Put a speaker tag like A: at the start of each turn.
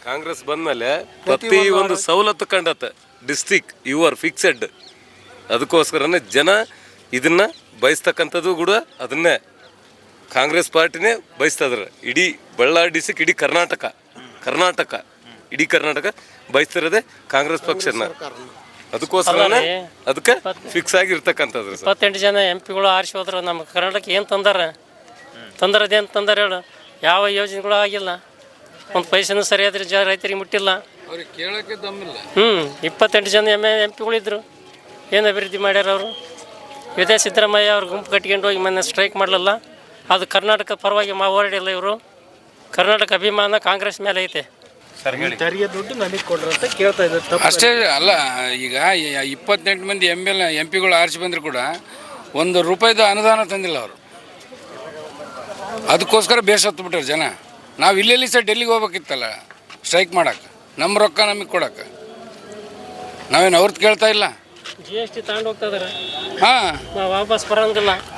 A: ಕಾಂಗ್ರೆಸ್ ಬಂದ್ಮೇಲೆ ಪ್ರತಿ ಒಂದು ಸವಲತ್ತು ಕಂಡತ್ತೆ. ಡಿಸ್ಟ್ರಿಕ್ ಯುವರ್ ಫಿಕ್ಸೆಡ್, ಅದಕ್ಕೋಸ್ಕರನೇ ಜನ ಇದನ್ನ ಬಯಸ್ತಕ್ಕಂಥದ್ದು ಕೂಡ ಅದನ್ನೇ ಕಾಂಗ್ರೆಸ್ ಪಾರ್ಟಿನೇ ಬಯಸ್ತಿದ್ರೆ. ಇಡೀ ಬಳ್ಳಾರಿ ಡಿಸ್ಟ್ರಿಕ್, ಇಡೀ ಕರ್ನಾಟಕ ಇಡೀ ಕರ್ನಾಟಕ ಬಯಸ್ತಿರೋದೇ ಕಾಂಗ್ರೆಸ್ ಪಕ್ಷನ. ಅದಕ್ಕೋಸ್ಕರನೇ ಅದಕ್ಕೆ ಫಿಕ್ಸ್ ಆಗಿರ್ತಕ್ಕಂಥದ್ದು.
B: 28 ಜನ MP ಆರಿಸಿ ಹೋದ್ರು. ನಮ್ಮ ಕರ್ನಾಟಕ ಏನು ತಂದರದೇನು ತಂದಾರ ಹೇಳು? ಯಾವ ಯೋಜನೆಗಳು ಆಗಿಲ್ಲ, ಒಂದು ಪೈಸೆನೂ ಸರಿಯಾದ ರೈತರಿಗೆ ಮುಟ್ಟಿಲ್ಲ. 28 ಜನ MP ಇದ್ರು. ಏನು ಅಭಿವೃದ್ಧಿ ಮಾಡ್ಯಾರ ಅವರು? ಇದೇ ಸಿದ್ದರಾಮಯ್ಯ ಅವ್ರ ಗುಂಪು ಕಟ್ಕೊಂಡು ಹೋಗಿ ಮೊನ್ನೆ ಸ್ಟ್ರೈಕ್ ಮಾಡಲಿಲ್ಲ. ಅದು ಕರ್ನಾಟಕ ಪರವಾಗಿ ಹೋರಾಡಿಲ್ಲ ಇವರು. ಕರ್ನಾಟಕ ಅಭಿಮಾನ ಕಾಂಗ್ರೆಸ್ ಮೇಲೆ ಐತೆ.
C: ದುಡ್ಡು ನನಗೆ ಕೊಡ್ರಿ ಅಂತ ಕೇಳ್ತಾ ಇದ್ದಾರೆ.
D: ಅಷ್ಟೇ ಅಲ್ಲ, ಈಗ 28 ಮಂದಿ MP ಆರಿಸಿ ಬಂದರೂ ಕೂಡ ₹1 ಅನುದಾನ ತಂದಿಲ್ಲ ಅವರು. ಅದಕ್ಕೋಸ್ಕರ ಬೇಸತ್ತು ಬಿಟ್ಟಾರೆ ಜನ. ನಾವು ಇಲ್ಲೆಲ್ಲಿ ಸಹ ಡೆಲ್ಲಿಗೆ ಹೋಗ್ಬೇಕಿತ್ತಲ್ಲ ಸ್ಟ್ರೈಕ್ ಮಾಡೋಕೆ, ನಮ್ಮ ರೊಕ್ಕ ನಮಗೆ ಕೊಡೋಕೆ. ನಾವೇನು ಅವ್ರದ್ದು ಕೇಳ್ತಾ ಇಲ್ಲ.
B: GST ತಗೊಂಡು ಹೋಗ್ತಾ ಇದಾರೆ.
D: ಹಾಂ,
B: ವಾಪಸ್ ಬರೋಂಗಿಲ್ಲ.